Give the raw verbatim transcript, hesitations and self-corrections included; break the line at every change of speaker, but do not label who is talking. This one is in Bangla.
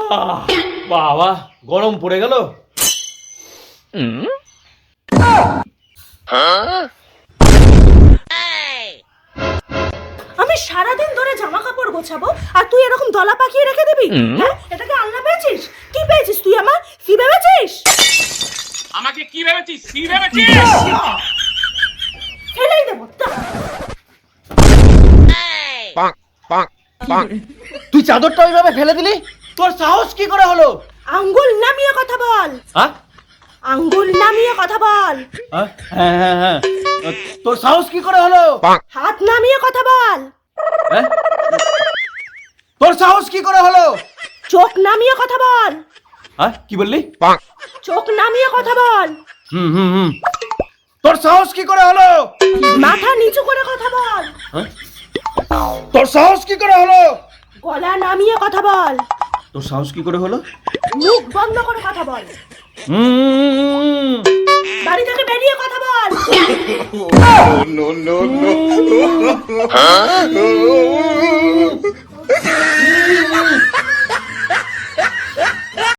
বাবা গরম পড়ে গেল।
আমি সারাদিন ধরে জামা কাপড় গোছাবো আর তুই এরকম দলা পাকিয়ে রেখে দিবি? হ্যাঁ, এটাকে আল্লাহ পেয়েছিস? কি পেয়েছিস তুই? আমার ফি ভেবেছিস?
আমাকে কি ভেবেছিস? ফি ভেবেছিস?
ফেলেই দেবো।
তুই চাদরটা ওইভাবে ফেলে দিলি? তোর সাহস কি করে হলো?
আঙ্গুল নামিয়ে কথা বল।
হ্যাঁ
আঙ্গুল নামিয়ে কথা বল।
হ্যাঁ হ্যাঁ হ্যাঁ তোর সাহস কি করে হলো?
হাত নামিয়ে কথা বল।
হ্যাঁ তোর সাহস কি করে হলো?
চোখ নামিয়ে কথা বল।
হ্যাঁ কি বললি?
চোখ নামিয়ে কথা বল।
হুম হুম হুম তোর সাহস কি করে হলো?
মাথা নিচু করে কথা বল।
তোর সাহস কি করে হলো?
গলা নামিয়ে কথা বল।
তোর সাহস কি করে হলো?
মুখ বন্ধ করে কথা বল।
হুম
বাড়ি থেকে বেরিয়ে কথা বল।
no, no, no, no.